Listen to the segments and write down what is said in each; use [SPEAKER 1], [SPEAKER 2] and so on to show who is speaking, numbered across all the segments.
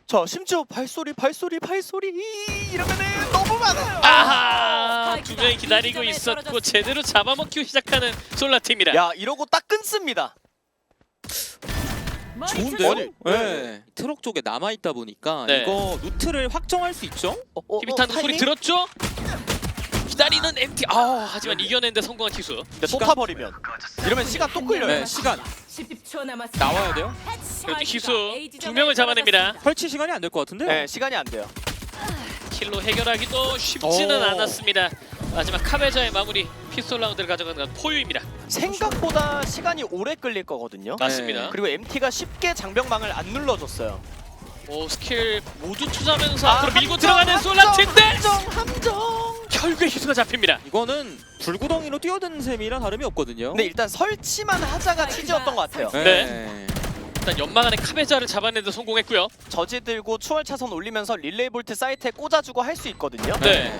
[SPEAKER 1] 자 심지어 발소리 이러면은 너무 많아요.
[SPEAKER 2] 아하, 두 명이 기다리고 있었고 제대로 잡아먹기 시작하는 솔라팀이라.
[SPEAKER 1] 야 이러고 딱 끊습니다.
[SPEAKER 3] 좋은데요?
[SPEAKER 1] 아니,
[SPEAKER 3] 네. 트럭 쪽에 남아 있다 보니까
[SPEAKER 2] 네.
[SPEAKER 3] 이거 루트를 확정할 수 있죠?
[SPEAKER 2] 히비탄 소리
[SPEAKER 1] 타이밍?
[SPEAKER 2] 들었죠? 기다리는 MT. 하지만 이겨낸데 성공한 티수.
[SPEAKER 1] 근데 또 타버리면 이러면 시간 또 끌려요.
[SPEAKER 3] 네, 시간
[SPEAKER 4] 10초 남았습니다.
[SPEAKER 3] 나와야 돼요?
[SPEAKER 2] 그래도 희수 두 명을 잡아냅니다.
[SPEAKER 3] 설치 시간이 안 될 것 같은데요?
[SPEAKER 1] 네 시간이 안 돼요.
[SPEAKER 2] 킬로 해결하기도 쉽지는
[SPEAKER 3] 오.
[SPEAKER 2] 않았습니다. 마지막 카베자의 마무리 피스톨 라운드를 가져가는 건 포유입니다.
[SPEAKER 1] 생각보다 시간이 오래 끌릴 거거든요.
[SPEAKER 2] 맞습니다.
[SPEAKER 3] 네.
[SPEAKER 1] 그리고 MT가 쉽게 장벽망을 안 눌러줬어요.
[SPEAKER 2] 오, 스킬 모두 투자하면서
[SPEAKER 1] 아,
[SPEAKER 2] 앞으로 밀고
[SPEAKER 1] 함정,
[SPEAKER 2] 들어가는 솔라팀인데
[SPEAKER 1] 함정.
[SPEAKER 2] 결국에 희수가 잡힙니다.
[SPEAKER 3] 이거는 불구덩이로 뛰어드는 셈이랑 다름이 없거든요.
[SPEAKER 1] 근데 일단 설치만 하자가 치즈였던 것 같아요.
[SPEAKER 2] 네. 일단 연막 안에 카베자를 잡아내는데 성공했고요.
[SPEAKER 1] 저지 들고 추월 차선 올리면서 릴레이 볼트 사이트에 꽂아주고 할 수 있거든요.
[SPEAKER 2] 네.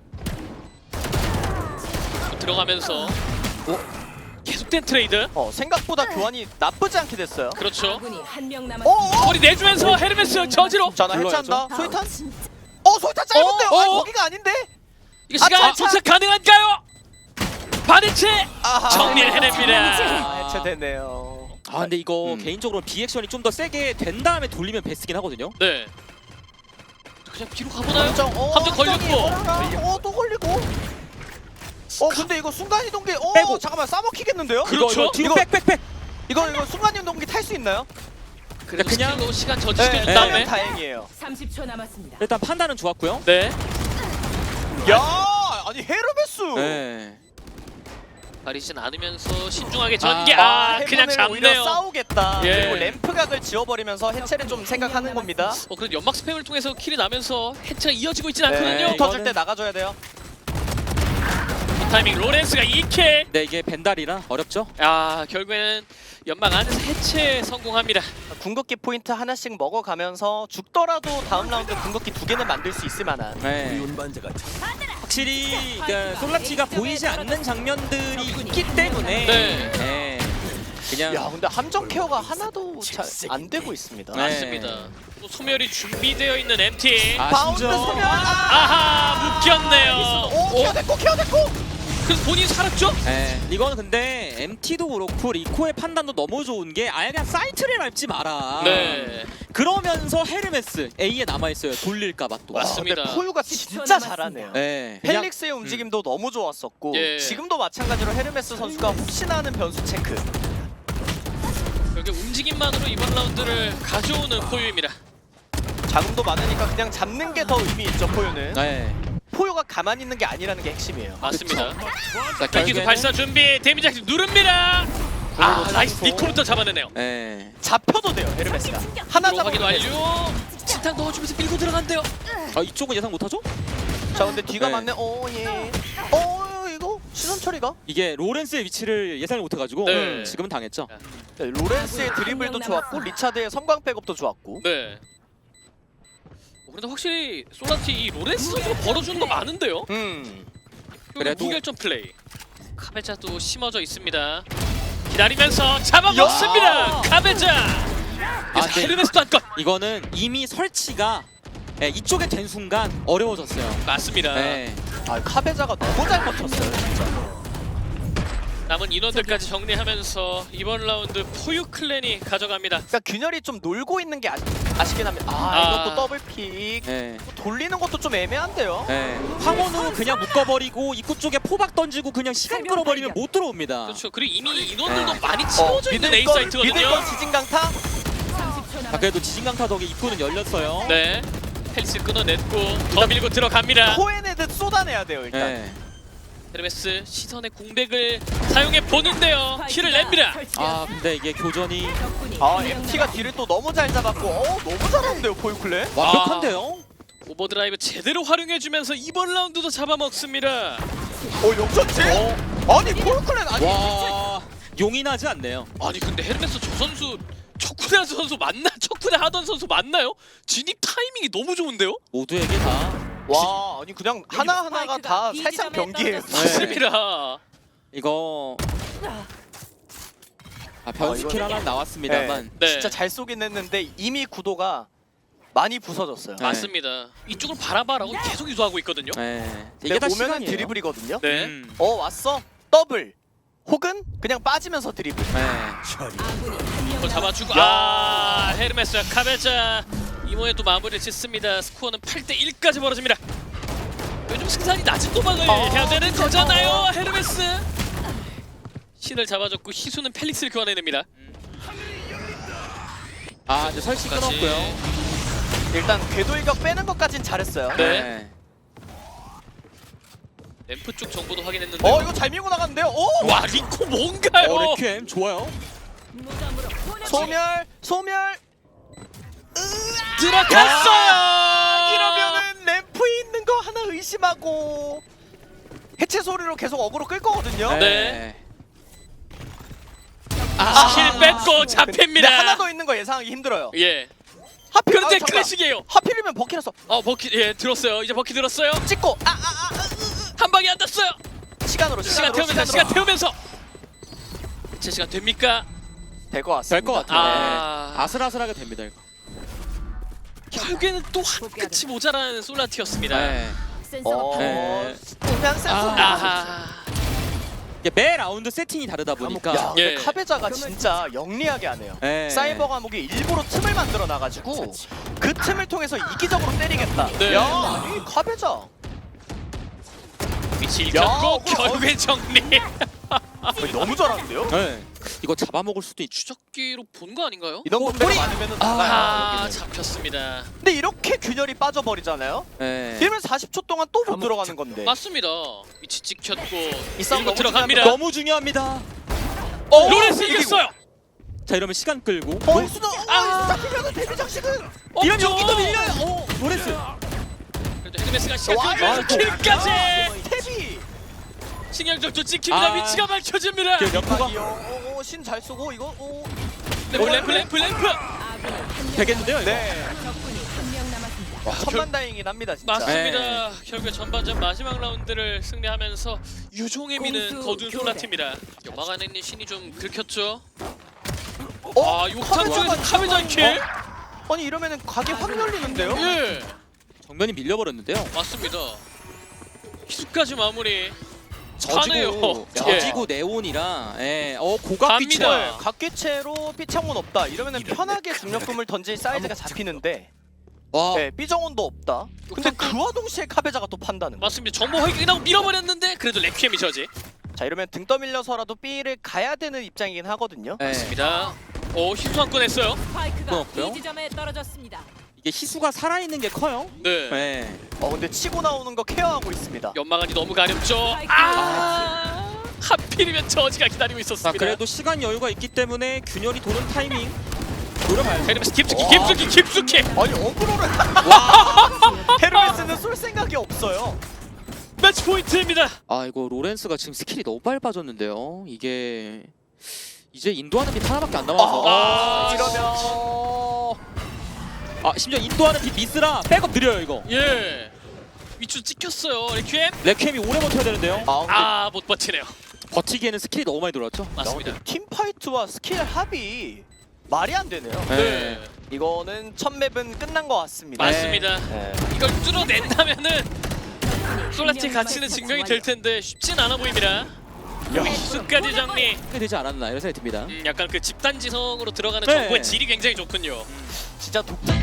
[SPEAKER 2] 들어가면서 계속된 트레이드.
[SPEAKER 1] 생각보다 교환이 나쁘지 않게 됐어요.
[SPEAKER 2] 그렇죠.
[SPEAKER 4] 아군이 한명
[SPEAKER 1] 어?
[SPEAKER 4] 남았습니다.
[SPEAKER 2] 머리 내주면서 헤르메스 저지로.
[SPEAKER 1] 자, 나
[SPEAKER 3] 불러야죠.
[SPEAKER 1] 해체한다. 소이탄? 소이탄 짧은데요? 아니, 거기가 아닌데?
[SPEAKER 2] 이거 시간
[SPEAKER 1] 자.
[SPEAKER 2] 도착 가능한가요? 반해체
[SPEAKER 1] 아하.
[SPEAKER 2] 정리를 해냅니다.
[SPEAKER 1] 아, 해체되네요.
[SPEAKER 3] 아 근데 이거 개인적으로 비액션이 좀 더 세게 된 다음에 돌리면 베스긴 하거든요.
[SPEAKER 2] 네. 그냥 뒤로 가보나요?
[SPEAKER 1] 함정,
[SPEAKER 2] 함정 걸렸고.
[SPEAKER 1] 또 걸리고. 근데 이거 순간이동기,
[SPEAKER 3] 빼고.
[SPEAKER 1] 잠깐만, 싸먹히겠는데요?
[SPEAKER 2] 그렇죠.
[SPEAKER 3] 이거 뒤로
[SPEAKER 1] 이거-
[SPEAKER 3] 빽빽빽.
[SPEAKER 1] 이거 순간이동기 탈 수 있나요?
[SPEAKER 2] 그래도
[SPEAKER 3] 그냥-
[SPEAKER 2] 스킬로 시간 저지시켜준
[SPEAKER 1] 네,
[SPEAKER 2] 다음에.
[SPEAKER 1] 다행이에요.
[SPEAKER 4] 30초 남았습니다.
[SPEAKER 3] 일단 판단은 좋았고요.
[SPEAKER 2] 네.
[SPEAKER 1] 야, 아니 헤르메스.
[SPEAKER 3] 네.
[SPEAKER 2] 가리진 않으면서 신중하게 전개. 그냥
[SPEAKER 1] 해본을 오히려
[SPEAKER 2] 잡네요.
[SPEAKER 1] 싸우겠다.
[SPEAKER 2] 예.
[SPEAKER 1] 그리고 램프각을 지워버리면서 해체를 좀 생각하는 겁니다.
[SPEAKER 2] 그래도 연막 스팸을 통해서 킬이 나면서 해체가 이어지고 있진 않거든요.
[SPEAKER 1] 네, 터질 때 나가줘야 돼요.
[SPEAKER 2] 이 타이밍 로렌스가 2킬.
[SPEAKER 3] 네 이게 벤달이라 어렵죠.
[SPEAKER 2] 결국에는 연막 안에서 해체 성공합니다.
[SPEAKER 1] 궁극기 포인트 하나씩 먹어가면서 죽더라도 다음 라운드 궁극기 2개는 만들 수 있을 만한.
[SPEAKER 3] 네. 확실히 그러니까 솔라티가 보이지 않는 장면들이 있기 때문에
[SPEAKER 2] 네.
[SPEAKER 3] 네. 그냥
[SPEAKER 1] 야, 근데 함정 케어가 하나도 잘 안 되고 있습니다.
[SPEAKER 3] 네.
[SPEAKER 2] 맞습니다. 또 소멸이 준비되어 있는 MT.
[SPEAKER 1] 바운드
[SPEAKER 3] 심지어-
[SPEAKER 1] 소멸.
[SPEAKER 2] 아하, 묶였네요.
[SPEAKER 1] 케어됐고.
[SPEAKER 2] 그래서 본인이 살았죠?
[SPEAKER 3] 네. 이거는 근데 MT도 그렇고 리코의 판단도 너무 좋은 게 아예 그냥 사이트를 밟지 마라.
[SPEAKER 2] 네.
[SPEAKER 3] 그러면서 헤르메스 A에 남아 있어요. 돌릴까봐 또.
[SPEAKER 2] 맞습니다.
[SPEAKER 1] 근데 포유가 진짜 잘하네요.
[SPEAKER 3] 네. 그냥
[SPEAKER 1] 펠릭스의 움직임도 너무 좋았었고
[SPEAKER 2] 예.
[SPEAKER 1] 지금도 마찬가지로 헤르메스 선수가 혹시나 하는 변수 체크.
[SPEAKER 2] 결국 움직임만으로 이번 라운드를 가져오는 포유입니다.
[SPEAKER 1] 자금도 많으니까 그냥 잡는 게 더 의미 있죠, 포유는.
[SPEAKER 3] 네.
[SPEAKER 1] 포유가 가만히 있는 게 아니라는 게 핵심이에요.
[SPEAKER 2] 맞습니다.
[SPEAKER 3] 자,
[SPEAKER 2] 기수
[SPEAKER 3] 결국에는-
[SPEAKER 2] 발사 준비. 데미지 액션 누릅니다. 나이스. 니코부터 잡아내네요.
[SPEAKER 3] 네.
[SPEAKER 1] 잡혀도 돼요, 헤르메스가. 하나
[SPEAKER 2] 들어 확인
[SPEAKER 1] 잡으면 돼요.
[SPEAKER 2] 완료. 진탕 넣어주면서 밀고 들어간대요.
[SPEAKER 3] 이쪽은 예상 못하죠?
[SPEAKER 1] 자, 근데 뒤가
[SPEAKER 3] 네.
[SPEAKER 1] 맞네. 예. 이거 시선 처리가?
[SPEAKER 3] 이게 로렌스의 위치를 예상을 못해가지고
[SPEAKER 2] 네.
[SPEAKER 3] 지금은 당했죠.
[SPEAKER 1] 네, 로렌스의 드리블도 좋았고 리차드의 섬광 백업도 좋았고.
[SPEAKER 2] 네. 그래도 확실히 솔라티 이 로렌스 선수가 벌어주는 거 많은데요.
[SPEAKER 3] 그래도-
[SPEAKER 2] 무결점 플레이. 카베자도 심어져 있습니다. 기다리면서 잡아먹습니다.
[SPEAKER 1] 야!
[SPEAKER 2] 카베자. 그래서
[SPEAKER 3] 네.
[SPEAKER 2] 헤르메스도 한 건.
[SPEAKER 3] 이거는 이미 설치가 이쪽에 된 순간 어려워졌어요.
[SPEAKER 2] 맞습니다.
[SPEAKER 3] 네.
[SPEAKER 1] 카베자가 너무 잘 버텼어요, 진짜.
[SPEAKER 2] 남은 인원들까지 정리하면서 이번 라운드 포유 클랜이 가져갑니다.
[SPEAKER 1] 그러니까 균열이 좀 놀고 있는 게 아쉽긴 합니다. 이것도 더블픽.
[SPEAKER 3] 네.
[SPEAKER 1] 돌리는 것도 좀 애매한데요.
[SPEAKER 3] 네. 황혼으로 그냥 묶어버리고 입구 쪽에 포박 던지고 그냥 시간 끌어버리면 못 들어옵니다.
[SPEAKER 2] 그렇죠. 그리고 이미 인원들도 많이 채워져 있는 A
[SPEAKER 1] 믿을
[SPEAKER 2] 사이트거든요.
[SPEAKER 1] 건 지진강타.
[SPEAKER 4] 30초 남았습니다.
[SPEAKER 3] 그래도 지진강타 덕에 입구는 열렸어요.
[SPEAKER 2] 네. 펠리스 끊어냈고 더 밀고 들어갑니다.
[SPEAKER 1] 코에네드 쏟아내야 돼요, 일단.
[SPEAKER 3] 네.
[SPEAKER 2] 헤르메스 시선의 공백을 사용해 보는데요. 킬을 냅니다.
[SPEAKER 3] 근데 이게 교전이
[SPEAKER 1] MT가 뒤를 또 너무 잘 잡았고, 너무 잘하는데요, 포유클레.
[SPEAKER 3] 완벽한데요?
[SPEAKER 2] 오버드라이브 제대로 활용해주면서 이번 라운드도 잡아먹습니다.
[SPEAKER 1] 역전체? 아니, 포유클레 아니.
[SPEAKER 3] 와 용인하지 않네요.
[SPEAKER 2] 아니 근데 헤르메스 저 선수 척후대 선수 맞나? 척후대 하던 선수 맞나요? 진입 타이밍이 너무 좋은데요?
[SPEAKER 3] 모두에게 다
[SPEAKER 1] 와, 아니 그냥 하나하나가 다
[SPEAKER 4] 스파이크가
[SPEAKER 1] 살짝
[SPEAKER 4] B 지점에
[SPEAKER 1] 경기예요.
[SPEAKER 4] 떨어졌습니다.
[SPEAKER 2] 맞습니다.
[SPEAKER 3] 이거 변스킬
[SPEAKER 1] 이거는-
[SPEAKER 3] 하나 나왔습니다만
[SPEAKER 2] 네.
[SPEAKER 1] 진짜 잘 쏘긴 했는데 이미 구도가 많이 부서졌어요.
[SPEAKER 3] 네.
[SPEAKER 2] 맞습니다. 이쪽을 바라봐라고 계속 유도하고 있거든요.
[SPEAKER 3] 네.
[SPEAKER 1] 근데
[SPEAKER 3] 이게 다
[SPEAKER 1] 오면은
[SPEAKER 3] 시간이에요.
[SPEAKER 1] 드리블이거든요.
[SPEAKER 2] 네.
[SPEAKER 1] 왔어 더블 혹은 그냥 빠지면서 드리블.
[SPEAKER 3] 네.
[SPEAKER 4] 아군이 한 명
[SPEAKER 2] 이걸 잡아주고 헤르메스 카베자 이모에 또 마무리를 짓습니다. 스코어는 8대1까지 벌어집니다. 요즘 승산이 낮은 도박을 해야 되는 거잖아요. 헤르메스 신을 잡아줬고 희수는 펠릭스를 교환해냅니다.
[SPEAKER 3] 이제 설치
[SPEAKER 2] 끝까지.
[SPEAKER 3] 끊었고요.
[SPEAKER 1] 일단 궤도 일격 빼는 것까진 잘했어요.
[SPEAKER 2] 네. 램프 쪽 정보도 확인했는데
[SPEAKER 1] 이거 잘 밀고 나갔는데요. 오!
[SPEAKER 2] 와 리코 뭔가요?
[SPEAKER 3] 레퀴엠 좋아요.
[SPEAKER 4] 무덤으로 보내주세요.
[SPEAKER 1] 소멸.
[SPEAKER 2] 들어갔어요.
[SPEAKER 1] 이러면은 램프에 있는 거 하나 의심하고 해체 소리로 계속 어그로 끌 거거든요.
[SPEAKER 2] 네. 스킬 뺏고 잡힙니다.
[SPEAKER 1] 근데 하나 더 있는 거 예상하기 힘들어요.
[SPEAKER 2] 예.
[SPEAKER 1] 하필
[SPEAKER 2] 그런데
[SPEAKER 1] 잠깐.
[SPEAKER 2] 클래식이에요.
[SPEAKER 1] 하필이면 버키라서
[SPEAKER 2] 버키 들었어요. 이제 버키 들었어요.
[SPEAKER 1] 찍고
[SPEAKER 2] 한 방에 안 땄어요.
[SPEAKER 1] 시간으로
[SPEAKER 2] 시간 태우면서 제 시간 됩니까?
[SPEAKER 1] 될것 같습니다.
[SPEAKER 3] 될 것 같아요.
[SPEAKER 2] 아.
[SPEAKER 3] 네. 아슬아슬하게 됩니다 이거.
[SPEAKER 2] 결국에는 또 한 끝이 모자란 솔라티였습니다.
[SPEAKER 3] 네.
[SPEAKER 4] 센서가
[SPEAKER 3] 네.
[SPEAKER 1] 그냥 센스.
[SPEAKER 2] 아하.
[SPEAKER 3] 이게 매 라운드 세팅이 다르다 보니까.
[SPEAKER 1] 야, 근데
[SPEAKER 2] 예.
[SPEAKER 1] 카베자가 진짜 영리하게 하네요.
[SPEAKER 3] 네.
[SPEAKER 1] 사이버 과목이 일부러 틈을 만들어 놔가지고 그 틈을 통해서 이기적으로 때리겠다.
[SPEAKER 2] 네.
[SPEAKER 1] 야, 아니 카베자.
[SPEAKER 2] 위치 읽혔고
[SPEAKER 1] 야,
[SPEAKER 2] 결국엔 정리.
[SPEAKER 1] 너무 잘하는데요?
[SPEAKER 3] 네. 이거 잡아먹을 수도 있죠.
[SPEAKER 2] 추적기로 본 거 아닌가요?
[SPEAKER 1] 이런 분들이 많으면 나가요.
[SPEAKER 2] 잡혔습니다.
[SPEAKER 1] 근데 이렇게 균열이 빠져버리잖아요.
[SPEAKER 3] 네.
[SPEAKER 1] 이러면 40초 동안 또 못 들어가는 건데.
[SPEAKER 2] 맞습니다. 위치 찍혔고
[SPEAKER 1] 이 싸움
[SPEAKER 2] 밀고
[SPEAKER 1] 너무
[SPEAKER 2] 들어갑니다.
[SPEAKER 3] 너무 중요합니다.
[SPEAKER 2] 로렌스 이겼어요.
[SPEAKER 3] 자 이러면 시간 끌고.
[SPEAKER 1] 수도 잡히면은 데뷔 장식은.
[SPEAKER 3] 이러면 여기도 밀려요. 로렌스.
[SPEAKER 2] 그래도 헤르메스가 시간
[SPEAKER 1] 와,
[SPEAKER 2] 끌면서 킬까지.
[SPEAKER 1] 스텝이.
[SPEAKER 2] 신경적도 찍힙니다. 위치가 밝혀집니다.
[SPEAKER 3] 연포가
[SPEAKER 1] 신 잘 쏘고 이거.
[SPEAKER 2] 램프.
[SPEAKER 4] 아군이 한
[SPEAKER 3] 되겠는데요 이거.
[SPEAKER 1] 네.
[SPEAKER 4] 적군이 한 명 남았습니다.
[SPEAKER 1] 천만다행이긴 합니다 진짜.
[SPEAKER 2] 맞습니다. 결국에 전반전 마지막 라운드를 승리하면서 유종의 미는
[SPEAKER 4] 공수
[SPEAKER 2] 거둔
[SPEAKER 4] 교대.
[SPEAKER 2] 솔라팀입니다. 연막 안에 있는 신이 좀 긁혔죠. 욕탕
[SPEAKER 1] 카베자가
[SPEAKER 2] 쪽에서 카베자 킬.
[SPEAKER 1] 아니 이러면은 각이 확 열리는데요?
[SPEAKER 2] 예,
[SPEAKER 3] 정면이 밀려버렸는데요.
[SPEAKER 2] 맞습니다. 희수까지 마무리.
[SPEAKER 3] 저지고
[SPEAKER 2] 예.
[SPEAKER 3] 저지고 네온이라. 고각
[SPEAKER 2] 갑니다.
[SPEAKER 3] 빛을.
[SPEAKER 1] 각기체로 삐창원 없다. 이러면은 편하게 중력금을 던질 사이즈가 잡히는데
[SPEAKER 3] 와.
[SPEAKER 1] 삐정원도 없다. 근데 그와 동시에 카베자가 또 판다는 거.
[SPEAKER 2] 맞습니다. 정보 확인하고 밀어버렸는데 그래도 레퀴엠이 저지.
[SPEAKER 1] 자 이러면 등 떠밀려서라도 B를 가야 되는 입장이긴 하거든요.
[SPEAKER 3] 네.
[SPEAKER 2] 맞습니다. 희수 한 건 했어요.
[SPEAKER 4] 스파이크가
[SPEAKER 3] 없고요.
[SPEAKER 4] B 지점에 떨어졌습니다.
[SPEAKER 3] 이게 희수가 살아있는 게 커요.
[SPEAKER 2] 네.
[SPEAKER 3] 네.
[SPEAKER 1] 근데 치고 나오는 거 케어하고 있습니다.
[SPEAKER 2] 연막안이 너무 가렵죠. 하필이면 저지가 기다리고
[SPEAKER 3] 자
[SPEAKER 2] 있었습니다.
[SPEAKER 3] 그래도 시간 여유가 있기 때문에 균열이 도는 타이밍 노려봐야죠.
[SPEAKER 2] 헤르메스 깊숙이.
[SPEAKER 1] 아니 어그로를 헤르메스는 쏠 생각이 없어요.
[SPEAKER 2] 매치 포인트입니다.
[SPEAKER 3] 이거 로렌스가 지금 스킬이 너무 빨리 빠졌는데요. 이게 이제 인도하는 빛 하나밖에 안 남아서.
[SPEAKER 1] 이러면
[SPEAKER 3] 심지어 인도하는 빛 미스라 백업 느려요 이거.
[SPEAKER 2] 예. 위치 찍혔어요. 레퀴엠.
[SPEAKER 3] 레퀴엠이 오래 버텨야 되는데요.
[SPEAKER 1] 근데
[SPEAKER 2] 못 버티네요.
[SPEAKER 3] 버티기에는 스킬이 너무 많이 들어왔죠.
[SPEAKER 2] 맞습니다.
[SPEAKER 1] 팀 파이트와 스킬 합이 말이 안 되네요.
[SPEAKER 2] 네.
[SPEAKER 1] 이거는 첫 맵은 끝난 것 같습니다.
[SPEAKER 2] 맞습니다.
[SPEAKER 1] 네.
[SPEAKER 2] 이걸 뚫어낸다면은 솔라티 가치는 증명이 될 텐데 쉽진 않아 보입니다. 희수까지 정리.
[SPEAKER 3] 되지 않았나 이런 생각이 듭니다.
[SPEAKER 2] 약간 그 집단지성으로 들어가는
[SPEAKER 3] 네.
[SPEAKER 2] 정보의 질이 굉장히 좋군요.
[SPEAKER 1] 진짜 독자.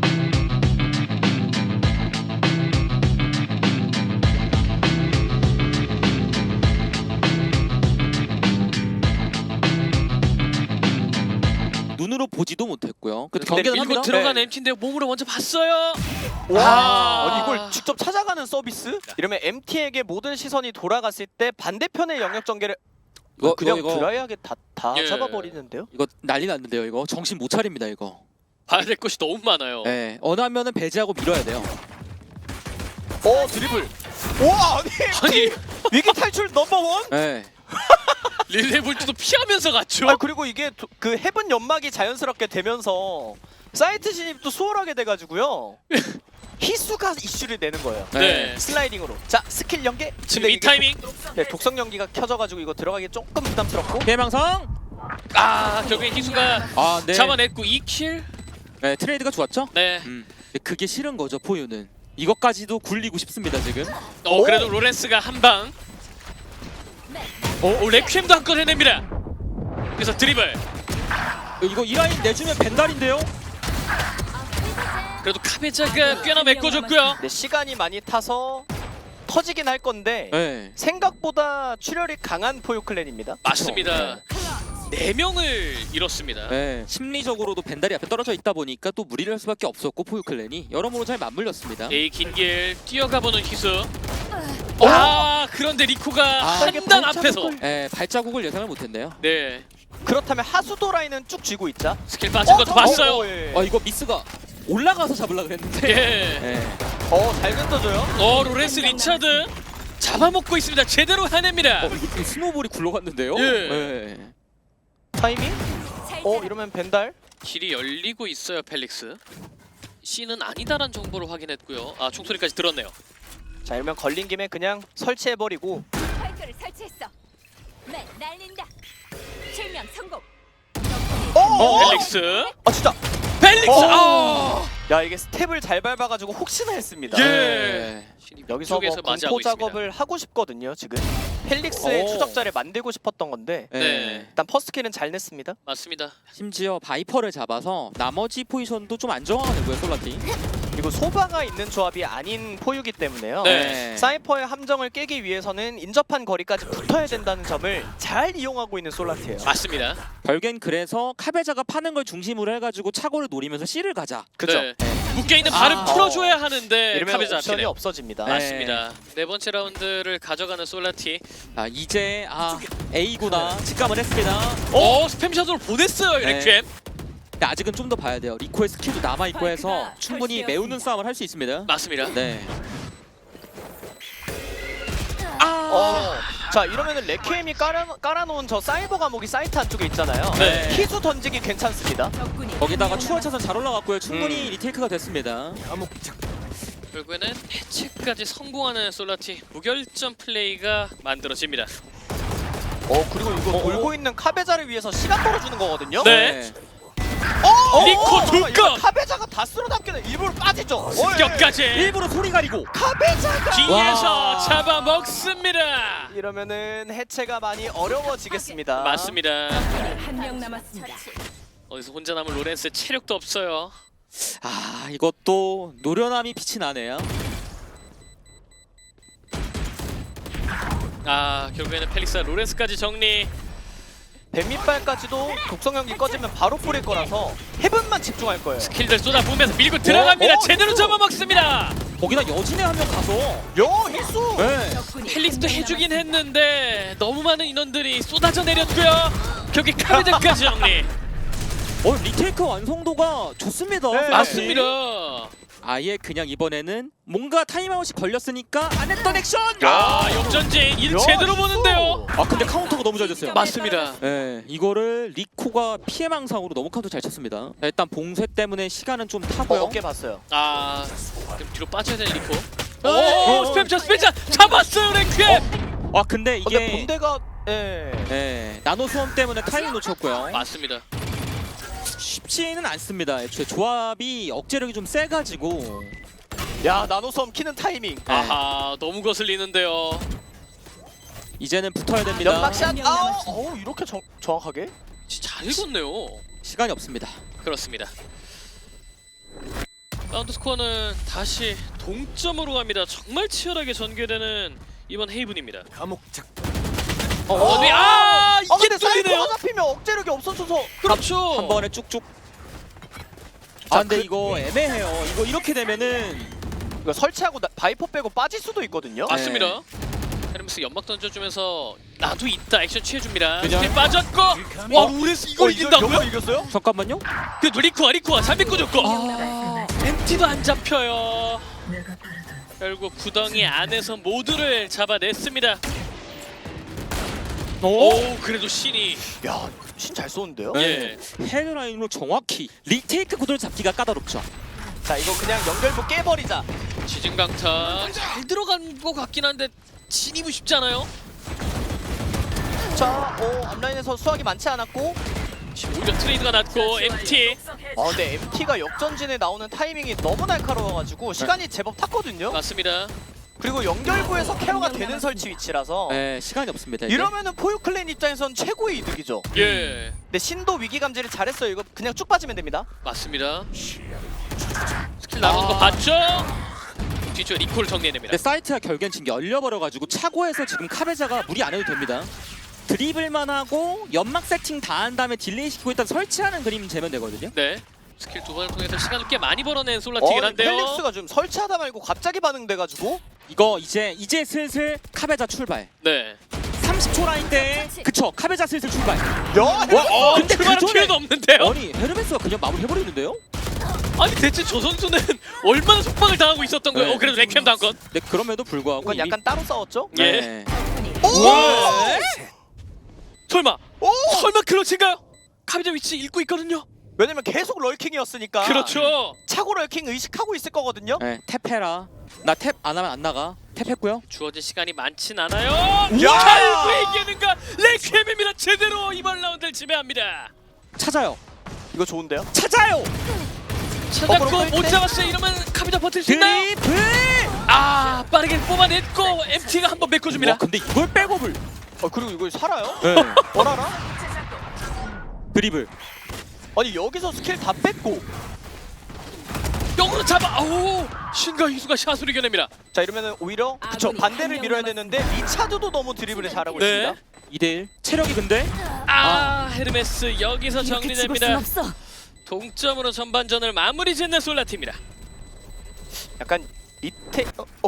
[SPEAKER 3] 눈으로 보지도 못했고요. 근데
[SPEAKER 2] 근데
[SPEAKER 3] 경기는
[SPEAKER 2] 밀고
[SPEAKER 3] 합니다.
[SPEAKER 2] 들어간
[SPEAKER 1] 네.
[SPEAKER 2] MT인데 몸으로 먼저 봤어요.
[SPEAKER 1] 아니 이걸 직접 찾아가는 서비스? 이러면 MT에게 모든 시선이 돌아갔을 때 반대편의 영역 전개를 그냥 드라이하게 다
[SPEAKER 2] 예.
[SPEAKER 1] 잡아버리는데요?
[SPEAKER 3] 이거 난리 났는데요. 이거 정신 못 차립니다 이거.
[SPEAKER 2] 봐야 될 것이 너무 많아요.
[SPEAKER 3] 네. 어느 한 면은 배제하고 밀어야 돼요.
[SPEAKER 1] 드리블. 와 아니 위기 탈출 넘버원?
[SPEAKER 3] 네.
[SPEAKER 2] 릴레이 볼트도 피하면서 갔죠.
[SPEAKER 1] 그리고 이게 그 해븐 연막이 자연스럽게 되면서 사이트 진입도 수월하게 돼가지고요. 희수가 이슈를 내는 거예요.
[SPEAKER 2] 네.
[SPEAKER 1] 슬라이딩으로. 자 스킬 연계.
[SPEAKER 2] 지금
[SPEAKER 1] 근데
[SPEAKER 2] 이
[SPEAKER 1] 이게
[SPEAKER 2] 타이밍.
[SPEAKER 1] 독성 연기가 켜져가지고 이거 들어가기 조금 부담스럽고.
[SPEAKER 3] 대망상.
[SPEAKER 2] 결국엔 희수가
[SPEAKER 3] 네.
[SPEAKER 2] 잡아냈고 2킬.
[SPEAKER 3] 네 트레이드가 좋았죠.
[SPEAKER 2] 네.
[SPEAKER 3] 근데 그게 싫은 거죠 포유는. 이것까지도 굴리고 싶습니다 지금.
[SPEAKER 2] 그래도 로렌스가 한 방. 레퀴엠도 한 건 해냅니다. 그래서 드리블.
[SPEAKER 3] 이거 이 라인 내주면 벤달인데요.
[SPEAKER 2] 그래도 카베자가 꽤나 메꿔줬고요.
[SPEAKER 1] 근데 시간이 많이 타서 터지긴 할 건데
[SPEAKER 3] 네.
[SPEAKER 1] 생각보다 출혈이 강한 포유 클랜입니다.
[SPEAKER 2] 맞습니다. 4명을 잃었습니다.
[SPEAKER 3] 네. 심리적으로도 벤달이 앞에 떨어져 있다 보니까 또 무리를 할 수밖에 없었고 포유 클랜이 여러모로 잘 맞물렸습니다.
[SPEAKER 2] A 긴길 뛰어가보는 희수. 그런데 리코가
[SPEAKER 1] 이게
[SPEAKER 2] 한 단
[SPEAKER 1] 발자국을-
[SPEAKER 2] 앞에서.
[SPEAKER 3] 네, 발자국을 예상을 못했네요.
[SPEAKER 2] 네.
[SPEAKER 1] 그렇다면 하수도 라인은 쭉 쥐고 있자.
[SPEAKER 2] 스킬 빠진 것도 봤어요.
[SPEAKER 1] 예.
[SPEAKER 3] 이거 미스가 올라가서 잡으려고 그랬는데.
[SPEAKER 2] 예.
[SPEAKER 3] 네.
[SPEAKER 1] 잘 던져줘요.
[SPEAKER 2] 로렌스 리차드 잡아먹고 있습니다. 제대로 해냅니다.
[SPEAKER 3] 이 스노볼이 굴러갔는데요.
[SPEAKER 2] 예.
[SPEAKER 3] 네.
[SPEAKER 1] 타이밍? 이러면 벤달?
[SPEAKER 2] 길이 열리고 있어요, 펠릭스. C는 아니다란 정보를 확인했고요. 총소리까지 들었네요.
[SPEAKER 1] 자 이러면 걸린 김에 그냥 설치해버리고.
[SPEAKER 4] 스파이크를 설치했어. 네, 날린다. 실명 성공.
[SPEAKER 2] 펠릭스.
[SPEAKER 1] 진짜.
[SPEAKER 2] 펠릭스.
[SPEAKER 1] 야 이게 스텝을 잘 밟아가지고 혹시나 했습니다.
[SPEAKER 2] 예.
[SPEAKER 1] 여기서 뭐
[SPEAKER 2] 쪽에서 맞이하고
[SPEAKER 1] 공포
[SPEAKER 2] 있습니다.
[SPEAKER 1] 작업을 하고 싶거든요 지금. 펠릭스의
[SPEAKER 3] 오.
[SPEAKER 1] 추적자를 만들고 싶었던 건데
[SPEAKER 2] 네.
[SPEAKER 1] 일단 퍼스트킬은 잘 냈습니다.
[SPEAKER 2] 맞습니다.
[SPEAKER 3] 심지어 바이퍼를 잡아서 나머지 포지션도 좀 안정화하고요 솔라티.
[SPEAKER 1] 그리고 소바가 있는 조합이 아닌 포유기 때문에요.
[SPEAKER 2] 네.
[SPEAKER 1] 사이퍼의 함정을 깨기 위해서는 인접한 거리까지 붙어야 된다는 점을 잘 이용하고 있는 솔라티예요.
[SPEAKER 2] 맞습니다.
[SPEAKER 3] 결국엔 그래서 카베자가 파는 걸 중심으로 해가지고 차고를 노리면서 C를 가자.
[SPEAKER 1] 그죠?
[SPEAKER 2] 네. 묶여있는 발을 풀어줘야 하는데
[SPEAKER 1] 이러면
[SPEAKER 2] 카베자
[SPEAKER 1] 옵션이
[SPEAKER 2] 앞이네요.
[SPEAKER 1] 없어집니다.
[SPEAKER 3] 네.
[SPEAKER 2] 맞습니다. 네 번째 라운드를 가져가는 솔라티.
[SPEAKER 3] 이제 A구나 직감을 했습니다.
[SPEAKER 2] 스팸샷으로 보냈어요,
[SPEAKER 3] 네.
[SPEAKER 2] 레퀴엠.
[SPEAKER 3] 근데 아직은 좀 더 봐야 돼요. 리코의 스킬도 남아있고 해서 충분히 메우는 싸움을 할 수 있습니다.
[SPEAKER 2] 맞습니다.
[SPEAKER 3] 네.
[SPEAKER 1] 자 이러면은 레퀴엠이 깔아놓은 저 사이버 감옥이 사이트 안쪽에 있잖아요.
[SPEAKER 2] 네.
[SPEAKER 1] 희수 던지기 괜찮습니다.
[SPEAKER 3] 거기다가 추월 차선 잘 올라갔고요. 충분히 리테이크가 됐습니다.
[SPEAKER 2] 결국에는 해체까지 성공하는 솔라티. 무결점 플레이가 만들어집니다.
[SPEAKER 1] 그리고 이거 돌고 있는 카베자를 위해서 시간 벌어주는 거거든요.
[SPEAKER 2] 네. 리코 둘
[SPEAKER 1] 이거
[SPEAKER 2] 것!
[SPEAKER 1] 카베자가 다 쓸어담기는 일부러 빠지죠.
[SPEAKER 2] 습격까지
[SPEAKER 3] 일부러 소리 가리고.
[SPEAKER 1] 카베자가
[SPEAKER 2] 뒤에서
[SPEAKER 3] 와.
[SPEAKER 2] 잡아먹습니다.
[SPEAKER 1] 이러면은 해체가 많이 어려워지겠습니다.
[SPEAKER 2] 맞습니다.
[SPEAKER 4] 한 명 남았습니다.
[SPEAKER 2] 어디서 혼자 남은 로렌스 체력도 없어요.
[SPEAKER 3] 이것도 노련함이 빛이 나네요.
[SPEAKER 2] 결국에는 펠릭스와 로렌스까지 정리.
[SPEAKER 1] 뱀밑발까지도 독성형이 꺼지면 바로 뿌릴 거라서 헤븐만 집중할 거예요.
[SPEAKER 2] 킬들 쏟아부으면서 밀고 들어갑니다. 제대로
[SPEAKER 1] 희수!
[SPEAKER 2] 잡아먹습니다.
[SPEAKER 3] 거기다 여진에 한 명 가서.
[SPEAKER 1] 희수!
[SPEAKER 3] 네.
[SPEAKER 2] 펠릭스도 해주긴 했는데 너무 많은 인원들이 쏟아져 내렸고요. 결국 카베자까지 정리.
[SPEAKER 3] 리테이크 완성도가 좋습니다.
[SPEAKER 1] 네.
[SPEAKER 2] 맞습니다.
[SPEAKER 3] 아예 그냥 이번에는 뭔가 타임아웃이 걸렸으니까 안 했던 액션.
[SPEAKER 2] 역전진 일 제대로 보는데요.
[SPEAKER 3] 근데 카운터가 너무 잘 됐어요.
[SPEAKER 2] 맞습니다.
[SPEAKER 3] 네, 이거를 리코가 피해망상으로 너무 카운터 잘 쳤습니다. 일단 봉쇄 때문에 시간은 좀 타고요.
[SPEAKER 1] 어깨 봤어요.
[SPEAKER 2] 그럼 뒤로 빠져야 되는 리코. 스팸샷 잡았어요, 레퀴엠.
[SPEAKER 3] 근데
[SPEAKER 1] 근데
[SPEAKER 3] 이게
[SPEAKER 1] 본대가
[SPEAKER 3] 나노 수험 때문에 타이밍 놓쳤고요.
[SPEAKER 2] 맞습니다.
[SPEAKER 3] 쉽지는 않습니다. 애초에 조합이 억제력이 좀 세가지고.
[SPEAKER 1] 야 나노섬 키는 타이밍.
[SPEAKER 2] 너무 거슬리는데요.
[SPEAKER 3] 이제는 붙어야 됩니다.
[SPEAKER 1] 연막샷. 이렇게 정확하게?
[SPEAKER 2] 진짜 잘 읽었네요.
[SPEAKER 3] 시간이 없습니다.
[SPEAKER 2] 그렇습니다. 라운드 스코어는 다시 동점으로 갑니다. 정말 치열하게 전개되는 이번 헤이븐입니다. 이게
[SPEAKER 1] 근데
[SPEAKER 2] 뚫리네요.
[SPEAKER 1] 사이퍼가 잡히면 억제력이 없어져서.
[SPEAKER 2] 그렇죠.
[SPEAKER 3] 한 번에 쭉쭉. 근데 이거 애매해요. 이거 이렇게 되면은
[SPEAKER 1] 이거 설치하고 바이퍼 빼고 빠질 수도 있거든요.
[SPEAKER 2] 맞습니다. 헤르메스 연막 던져주면서 나도 있다 액션 취해줍니다.
[SPEAKER 3] 그냥-
[SPEAKER 2] 스틸 빠졌고 로렌스 이걸 이긴다고요?
[SPEAKER 1] 이겼어요?
[SPEAKER 3] 잠깐만요.
[SPEAKER 2] 그래도 리코가 잘 메꿔줬고 MT도 안 잡혀요. 결국 구덩이 안에서 모두를 잡아냈습니다. 그래도 신이
[SPEAKER 1] 야, 신 잘 쏘는데요?
[SPEAKER 2] 예.
[SPEAKER 3] 헤드라인으로 정확히 리테이크 구도를 잡기가 까다롭죠.
[SPEAKER 1] 자, 이거 그냥 연결부 깨버리자.
[SPEAKER 2] 지진강타 잘 들어간 것 같긴 한데 진입은 쉽지 않아요.
[SPEAKER 1] 자, 앞라인에서 수확이 많지 않았고
[SPEAKER 2] 오히려 트레이드가 났고 MT
[SPEAKER 1] 근데 MT가 역전진에 나오는 타이밍이 너무 날카로워가지고 시간이 제법 탔거든요.
[SPEAKER 2] 맞습니다.
[SPEAKER 1] 그리고 연결부에서 케어가 되는 설치 위치라서
[SPEAKER 3] 네, 시간이 없습니다. 이제.
[SPEAKER 1] 이러면은 포유클랜 입장에선 최고의 이득이죠.
[SPEAKER 2] 예,
[SPEAKER 1] 근데 신도 위기 감지를 잘했어요. 이거 그냥 쭉 빠지면 됩니다.
[SPEAKER 2] 맞습니다. 스킬 나오는 거 봤죠? 뒤쪽 리콜 정리해냅니다.
[SPEAKER 3] 근데 사이트가 결국엔 지금 열려버려가지고 차고에서 지금 카베자가 무리 안 해도 됩니다. 드리블만 하고 연막 세팅 다 한 다음에 딜레이 시키고 일단 설치하는 그림 재면 되거든요.
[SPEAKER 2] 네, 스킬 두 번을 통해서 시간을 꽤 많이 벌어낸 솔라티긴 한데요.
[SPEAKER 1] 펠릭스가 좀 설치하다 말고 갑자기 반응돼가지고
[SPEAKER 3] 이거 이제 슬슬 카베자 출발.
[SPEAKER 2] 네.
[SPEAKER 3] 30초 라인 때 그쵸 카베자 슬슬 출발.
[SPEAKER 2] 근데
[SPEAKER 3] 그
[SPEAKER 2] 출발한
[SPEAKER 3] 전에-
[SPEAKER 2] 기회도 없는데요?
[SPEAKER 3] 아니 헤르메스가 그냥 마무리 해버리는데요?
[SPEAKER 2] 아니 대체 저 선수는 얼마나 속박을 당하고 있었던 거예요?
[SPEAKER 3] 네.
[SPEAKER 2] 그래도 레퀴엠도 한 건.
[SPEAKER 3] 근데 그럼에도 불구하고
[SPEAKER 1] 그건 약간 따로 싸웠죠?
[SPEAKER 2] 예.
[SPEAKER 3] 네.
[SPEAKER 2] 설마 클러치인가요? 카비자 위치 읽고 있거든요.
[SPEAKER 1] 왜냐면 계속 럴킹이었으니까
[SPEAKER 2] 그렇죠.
[SPEAKER 1] 차고 럴킹 의식하고 있을 거거든요.
[SPEAKER 3] 네, 탭해라. 나 탭 안 하면 안 나가. 탭했고요.
[SPEAKER 2] 주어진 시간이 많진 않아요.
[SPEAKER 1] 야!
[SPEAKER 2] 결국 이기는가? 레퀴엠입니다. 제대로 이번 라운드를 지배합니다.
[SPEAKER 3] 찾아요.
[SPEAKER 1] 이거 좋은데요?
[SPEAKER 3] 찾아요.
[SPEAKER 2] 찾았고
[SPEAKER 1] 그럼
[SPEAKER 2] 못 잡았어요. 이러면 카비자 버틸 수 있나요?
[SPEAKER 3] 드리블.
[SPEAKER 2] 아 빠르게 뽑아냈고 MT가 한번 메꿔줍니다.
[SPEAKER 3] 와 근데 이걸 백업을.
[SPEAKER 1] 그리고 이거 살아요?
[SPEAKER 3] 네.
[SPEAKER 1] 원하나?
[SPEAKER 3] 드리블.
[SPEAKER 1] 아니 여기서 스킬 다 뺐고
[SPEAKER 2] 역으로 잡아. 아우 신과 희수가 샷을 이겨냅니다.
[SPEAKER 1] 자 이러면은 오히려 그쵸
[SPEAKER 4] 아군이
[SPEAKER 1] 반대를
[SPEAKER 4] 한
[SPEAKER 1] 밀어야
[SPEAKER 4] 명
[SPEAKER 1] 되는데 리차드도 너무 드리블을 잘하고
[SPEAKER 2] 네.
[SPEAKER 1] 있습니다.
[SPEAKER 3] 2대1 체력이 근데
[SPEAKER 2] 헤르메스 여기서 정리됩니다.
[SPEAKER 4] 없어.
[SPEAKER 2] 동점으로 전반전을 마무리 짓는 솔라티입니다.
[SPEAKER 1] 약간 밑에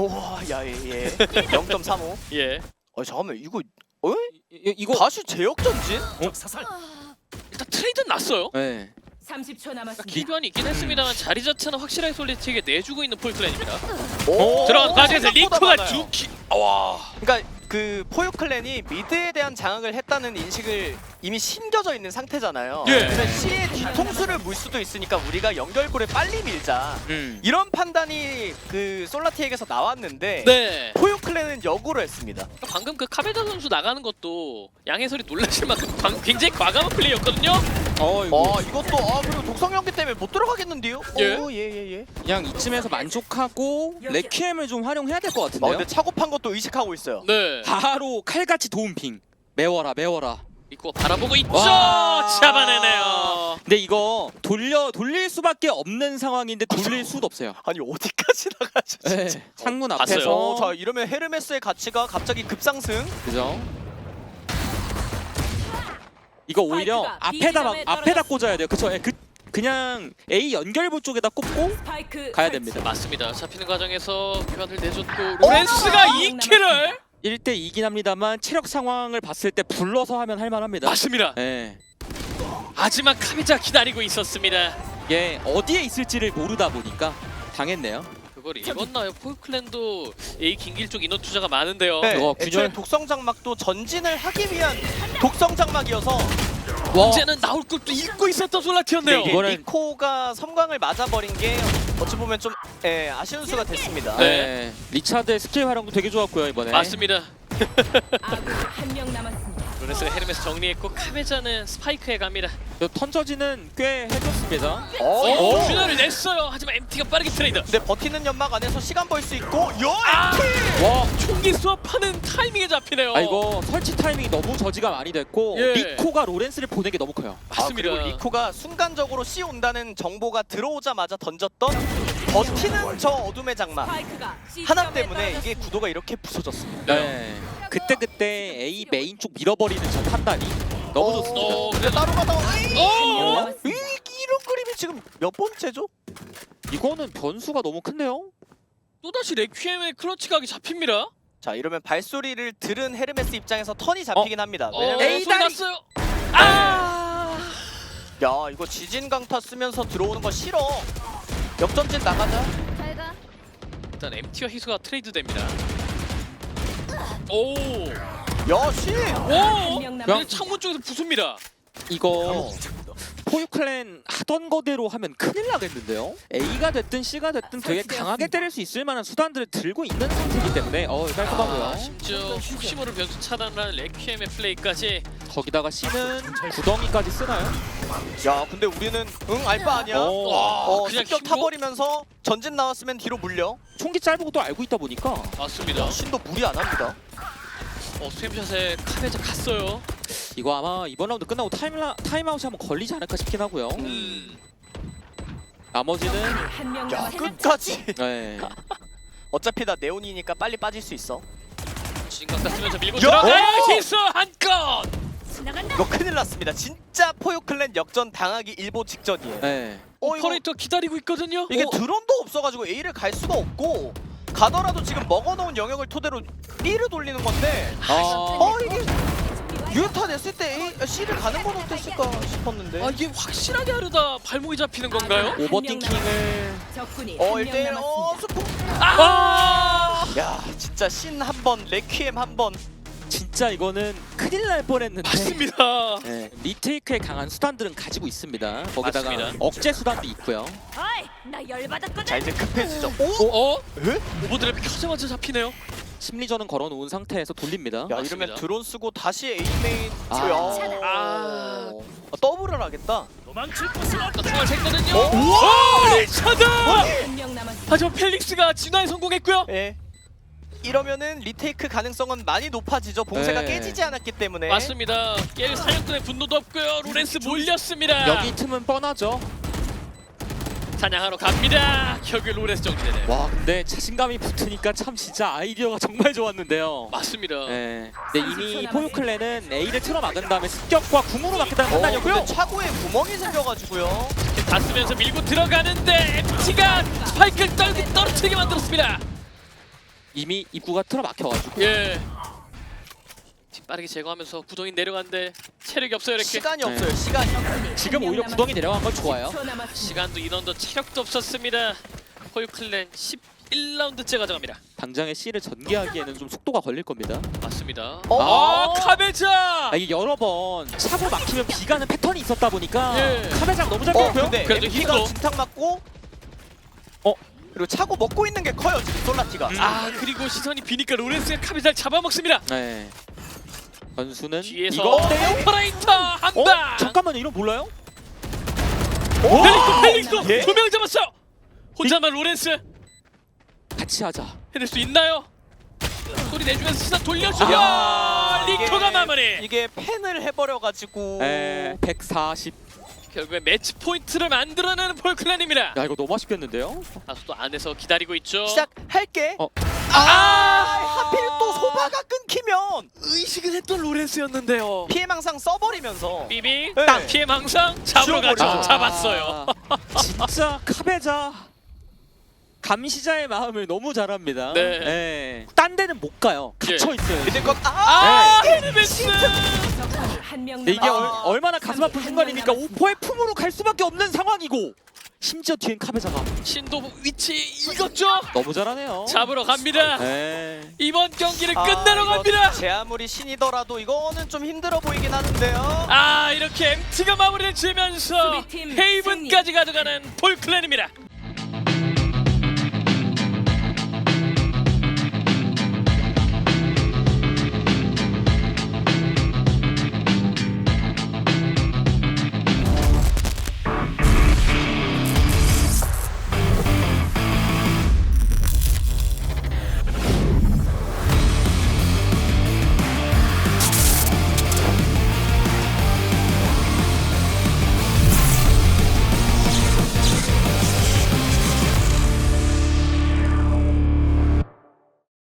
[SPEAKER 1] 야예 0.35.
[SPEAKER 2] 예.
[SPEAKER 1] 잠깐만 이거
[SPEAKER 3] 이거
[SPEAKER 1] 다시 제역전진?
[SPEAKER 2] 일단 트레이드는 났어요.
[SPEAKER 3] 네.
[SPEAKER 4] 30초 남았습니다.
[SPEAKER 2] 기변이 있긴 했습니다만 자리 자체는 확실하게 솔리티에게 내주고 있는 폴클랜입니다.
[SPEAKER 1] 오,
[SPEAKER 2] 들어간 과정에서
[SPEAKER 1] 생각보다
[SPEAKER 2] 리코가
[SPEAKER 1] 많아요.
[SPEAKER 2] 두 키. 와.
[SPEAKER 1] 그러니까 그 포유 클랜이 미드에 대한 장악을 했다는 인식을 이미 심겨져 있는 상태잖아요.
[SPEAKER 2] 예.
[SPEAKER 1] 그래서 C의 뒤통수를 물 수도 있으니까 우리가 연결고를 빨리 밀자. 이런 판단이 그 솔라티에게서 나왔는데
[SPEAKER 2] 네.
[SPEAKER 1] 포유 클랜은 역으로 했습니다.
[SPEAKER 2] 방금 그 카베자 선수 나가는 것도 양해설이 놀라실 만큼 굉장히 과감한 플레이였거든요.
[SPEAKER 1] 이것도 그리고 독성 연기 때문에 못 들어가겠는데요?
[SPEAKER 2] 예.
[SPEAKER 1] 예.
[SPEAKER 3] 그냥 이쯤에서 만족하고 레퀴엠을 좀 활용해야 될 것 같은데요.
[SPEAKER 1] 근데 차고판 것도 의식하고 있어요.
[SPEAKER 2] 네.
[SPEAKER 3] 바로 칼같이 도움핑. 메워라.
[SPEAKER 2] 리코가 바라보고 있죠.
[SPEAKER 3] 와.
[SPEAKER 2] 잡아내네요.
[SPEAKER 3] 근데 이거 돌릴 수밖에 없는 상황인데 돌릴 수도 없어요.
[SPEAKER 1] 아니 어디까지 나가죠 진짜.
[SPEAKER 3] 네. 창문
[SPEAKER 2] 봤어요.
[SPEAKER 3] 앞에서
[SPEAKER 1] 자 이러면 헤르메스의 가치가 갑자기 급상승.
[SPEAKER 3] 그죠? 이거 오히려
[SPEAKER 4] 스파이크가
[SPEAKER 3] 앞에다
[SPEAKER 4] B점에
[SPEAKER 3] 꽂아야 돼요. 그쵸? 그냥 A 연결부 쪽에다 꽂고
[SPEAKER 4] 스파이크
[SPEAKER 3] 가야
[SPEAKER 4] 설치.
[SPEAKER 3] 됩니다.
[SPEAKER 2] 맞습니다. 잡히는 과정에서 교환을 내줬고 로렌스가 2킬을.
[SPEAKER 3] 1대2긴 합니다만 체력 상황을 봤을 때 불러서 하면 할만합니다.
[SPEAKER 2] 맞습니다.
[SPEAKER 3] 네.
[SPEAKER 2] 하지만 카비자 기다리고 있었습니다.
[SPEAKER 3] 이게 어디에 있을지를 모르다 보니까 당했네요.
[SPEAKER 2] 그걸 읽었나요? 포유클랜도 A 긴길 쪽 인원 투자가 많은데요.
[SPEAKER 1] 네,
[SPEAKER 3] 이거
[SPEAKER 1] 애초에
[SPEAKER 3] 균열-
[SPEAKER 1] 독성 장막도 전진을 하기 위한 독성 장막이어서
[SPEAKER 2] 언제는 나올 것도 읽고 있었던 솔라티였네요.
[SPEAKER 1] 이게
[SPEAKER 3] 이거는-
[SPEAKER 1] 리코가 섬광을 맞아버린 게 어찌 보면 좀 아쉬운 수가 됐습니다.
[SPEAKER 2] 네.
[SPEAKER 3] 리차드의 스킬 활용도 되게 좋았고요 이번에.
[SPEAKER 2] 맞습니다.
[SPEAKER 4] 아군 한명 남았습니다.
[SPEAKER 2] 로렌스가 헤르메스 정리했고 카베자는 스파이크에 갑니다.
[SPEAKER 3] 턴저지는 꽤 해줬습니다.
[SPEAKER 2] 오, 균열을 냈어요. 하지만 MT가 빠르게 트레이드.
[SPEAKER 1] 근데 버티는 연막 안에서 시간 벌 수 있고
[SPEAKER 2] 아!
[SPEAKER 1] MT!
[SPEAKER 3] 와,
[SPEAKER 2] 총기 수업하는 타이밍에 잡히네요.
[SPEAKER 3] 이거 설치 타이밍이 너무 저지가 많이 됐고
[SPEAKER 2] 예.
[SPEAKER 3] 리코가 로렌스를 보내기 너무 커요.
[SPEAKER 2] 맞습니다.
[SPEAKER 1] 그리고 리코가 순간적으로 C 온다는 정보가 들어오자마자 던졌던 버티는 저 어둠의 장막
[SPEAKER 4] 스파이크가 C
[SPEAKER 1] 하나
[SPEAKER 4] 점에
[SPEAKER 1] 때문에 이게
[SPEAKER 4] 떨어졌습니다.
[SPEAKER 1] 구도가 이렇게 부서졌습니다.
[SPEAKER 3] 네. 그때 A 메인 쪽 밀어버리는 저 판단이 너무 좋습니다.
[SPEAKER 1] 근데 따로 가다가
[SPEAKER 4] 한명
[SPEAKER 2] 오!
[SPEAKER 4] 남았습니다.
[SPEAKER 1] 이런 그림이 지금 몇 번째죠?
[SPEAKER 3] 이거는 변수가 너무 큰데요?
[SPEAKER 2] 또다시 레퀴엠의 클러치 각이 잡힙니다.
[SPEAKER 1] 자 이러면 발소리를 들은 헤르메스 입장에서 턴이 잡히긴 합니다. 왜냐면
[SPEAKER 3] 에이,
[SPEAKER 2] 소리
[SPEAKER 3] 다리!
[SPEAKER 2] 났어요. 아!
[SPEAKER 1] 야 이거 지진 강타 쓰면서 들어오는 거 싫어. 역전진 나가자.
[SPEAKER 4] 잘가.
[SPEAKER 2] 일단 MT와 희수가 트레이드 됩니다. 오!
[SPEAKER 1] 야 씨.
[SPEAKER 2] 오!
[SPEAKER 4] 한명
[SPEAKER 2] 그냥
[SPEAKER 4] 남았습니다.
[SPEAKER 2] 창문 쪽에서 부숩니다.
[SPEAKER 3] 이거 포유클랜 하던 거대로 하면 큰일 나겠는데요? A가 됐든 C가 됐든 되게 강하게 때릴 수 있을 만한 수단들을 들고 있는 상태이기 때문에 깔끔하고요.
[SPEAKER 2] 심지어 혹시 모를 변수 차단하는 레퀴엠의 플레이까지
[SPEAKER 3] 거기다가 C는 구덩이까지 쓰나요?
[SPEAKER 1] 야 근데 우리는 알바 아니야.
[SPEAKER 2] 그냥
[SPEAKER 1] 습격
[SPEAKER 2] 힘으로?
[SPEAKER 1] 타버리면서 전진 나왔으면 뒤로 물려.
[SPEAKER 3] 총기 짧은 것도 알고 있다 보니까
[SPEAKER 2] 맞습니다.
[SPEAKER 1] 신도 무리 안 합니다.
[SPEAKER 2] 스팸샷에 카베자 갔어요.
[SPEAKER 3] 이거 아마 이번 라운드 끝나고 타임아웃이 한번 걸리지 않을까 싶긴 하고요. 나머지는
[SPEAKER 4] 한명
[SPEAKER 1] 야
[SPEAKER 4] 남았습니다.
[SPEAKER 1] 끝까지.
[SPEAKER 3] 네.
[SPEAKER 1] 어차피 다 네온이니까 빨리 빠질 수 있어.
[SPEAKER 2] 진각다 쓰면서 밀고
[SPEAKER 1] 야!
[SPEAKER 2] 들어가요.
[SPEAKER 1] 오!
[SPEAKER 2] 히스 한 건.
[SPEAKER 4] 지나간다.
[SPEAKER 1] 이거 큰일 났습니다. 진짜 포유클랜 역전 당하기 일보 직전이에요.
[SPEAKER 3] 네.
[SPEAKER 1] 이거
[SPEAKER 2] 오퍼레이터 기다리고 있거든요.
[SPEAKER 1] 이게 드론도 없어가지고 A를 갈 수가 없고 가더라도 지금 먹어놓은 영역을 토대로 B를 돌리는 건데 이게 유효타 냈을 때 C를 가는 건 어땠을까 싶었는데
[SPEAKER 2] 이게 확실하게 하려다 발목이 잡히는 건가요?
[SPEAKER 3] 오버띵킹을
[SPEAKER 4] 적군이
[SPEAKER 1] 1대1
[SPEAKER 4] 한명 남았습니다.
[SPEAKER 1] 스포 야 진짜 신 한번 레퀴엠 한번
[SPEAKER 3] 진짜 이거는 큰일 날 뻔했는데.
[SPEAKER 2] 맞습니다.
[SPEAKER 3] 네. 리테이크에 강한 수단들은 가지고 있습니다. 거기다가
[SPEAKER 2] 맞습니다.
[SPEAKER 3] 억제 수단도 있고요.
[SPEAKER 4] 어이, 나 열받았거든.
[SPEAKER 1] 자 이제 급해지죠.
[SPEAKER 2] 오버드랩이 켜자마자 잡히네요.
[SPEAKER 3] 심리전은 걸어놓은 상태에서 돌립니다.
[SPEAKER 1] 야
[SPEAKER 2] 맞습니다.
[SPEAKER 1] 이러면 드론 쓰고 다시 A메인 더블을 하겠다.
[SPEAKER 2] 총알 샜거든요.
[SPEAKER 1] 우와!
[SPEAKER 2] 리차드!
[SPEAKER 4] 한명 남았습니다.
[SPEAKER 2] 하지만 펠릭스가 진화에 성공했고요.
[SPEAKER 1] 예. 이러면은 리테이크 가능성은 많이 높아지죠. 봉쇄가
[SPEAKER 3] 네.
[SPEAKER 1] 깨지지 않았기 때문에.
[SPEAKER 2] 맞습니다. 깰 사냥꾼의 분노도 없고요. 로렌스 몰렸습니다.
[SPEAKER 3] 여기 틈은 뻔하죠.
[SPEAKER 2] 사냥하러 갑니다. 결국에 로렌스 정리되네요.
[SPEAKER 3] 와 근데 자신감이 붙으니까 참 진짜 아이디어가 정말 좋았는데요.
[SPEAKER 2] 맞습니다.
[SPEAKER 3] 네. 근데 이미 포유클랜은 A를 틀어 막은 다음에 습격과 궁으로 막겠다는 판단이었고요.
[SPEAKER 1] 근데 차고에 구멍이 생겨가지고요.
[SPEAKER 2] 다 쓰면서 밀고 들어가는데 MT가 스파이크를 떨어뜨리게 만들었습니다.
[SPEAKER 3] 이미 입구가 틀어 막혀가지고.
[SPEAKER 2] 예. 지금 빠르게 제거하면서 구덩이 내려가는데 체력이 없어요. 이렇게
[SPEAKER 1] 시간이
[SPEAKER 3] 네.
[SPEAKER 1] 없어요. 시간이.
[SPEAKER 3] 지금 오히려 구덩이 내려간 건 좋아요.
[SPEAKER 4] 10초 남았습니다.
[SPEAKER 2] 시간도 인원도 체력도 없었습니다. 포유클랜 11라운드째 가져갑니다.
[SPEAKER 3] 당장에 C를 전개하기에는 좀 속도가 걸릴 겁니다.
[SPEAKER 2] 맞습니다.
[SPEAKER 3] 카베자! 이게 여러 번 차고 막히면 비가는 패턴이 있었다 보니까
[SPEAKER 2] 예.
[SPEAKER 3] 카베자가 너무 잘 깼고요.
[SPEAKER 1] 근데
[SPEAKER 2] 그래도
[SPEAKER 1] MP가
[SPEAKER 2] 힘으로.
[SPEAKER 1] 진탕 맞고
[SPEAKER 3] 어?
[SPEAKER 1] 그리고 차고 먹고 있는 게 커요 지금 솔라티가.
[SPEAKER 2] 그리고 시선이 비니까 로렌스가 카베자를 잡아먹습니다.
[SPEAKER 3] 네. 선수는
[SPEAKER 2] 뒤에서
[SPEAKER 3] 이거 어때요?
[SPEAKER 2] 오퍼레이터 한 방.
[SPEAKER 3] 잠깐만요, 이런 몰라요?
[SPEAKER 2] 펠릭스
[SPEAKER 1] 예?
[SPEAKER 2] 두 명 잡았어요. 혼자만 로렌스
[SPEAKER 3] 같이 하자.
[SPEAKER 2] 해낼 수 있나요? 소리 내주면서 시선 돌려주고
[SPEAKER 1] 이게-
[SPEAKER 2] 리코가 마무리.
[SPEAKER 1] 이게 팬을 해버려가지고.
[SPEAKER 3] 네, 140.
[SPEAKER 2] 결국에 매치 포인트를 만들어내는 포유클랜입니다.
[SPEAKER 3] 야, 이거 너무 아쉽겠는데요?
[SPEAKER 2] 다수도 안에서 기다리고 있죠.
[SPEAKER 1] 시작할게.
[SPEAKER 3] 어.
[SPEAKER 1] 하필 또 소바가 끊기면
[SPEAKER 2] 의식은 했던 로렌스였는데요.
[SPEAKER 1] 피해망상 써버리면서.
[SPEAKER 2] 비비
[SPEAKER 1] 네.
[SPEAKER 2] 딱 피해 망상 잡으러 가죠.
[SPEAKER 1] 지워버리죠.
[SPEAKER 2] 잡았어요.
[SPEAKER 3] 진짜 카베자 감시자의 마음을 너무 잘합니다.
[SPEAKER 2] 네.
[SPEAKER 3] 네. 딴 데는 못 가요. 갇혀 있어요.
[SPEAKER 1] 근데 건
[SPEAKER 2] 헤르메스.
[SPEAKER 4] 적군이 한명
[SPEAKER 3] 근데 이게
[SPEAKER 4] 남았습니다.
[SPEAKER 3] 얼마나 가슴 아픈 순간입니까? 오퍼의 품으로 갈 수밖에 없는 상황이고 심지어 뒤엔 카베자가
[SPEAKER 2] 신도 위치 익었죠.
[SPEAKER 3] 너무 잘하네요.
[SPEAKER 2] 잡으러 갑니다.
[SPEAKER 3] 네.
[SPEAKER 2] 이번 경기를 끝내러 갑니다.
[SPEAKER 1] 제 아무리 신이더라도 이거는 좀 힘들어 보이긴 하는데요.
[SPEAKER 2] 이렇게 MT가 마무리를 지으면서
[SPEAKER 4] 수비팀
[SPEAKER 2] 헤이븐까지 가져가는 폴클랜입니다.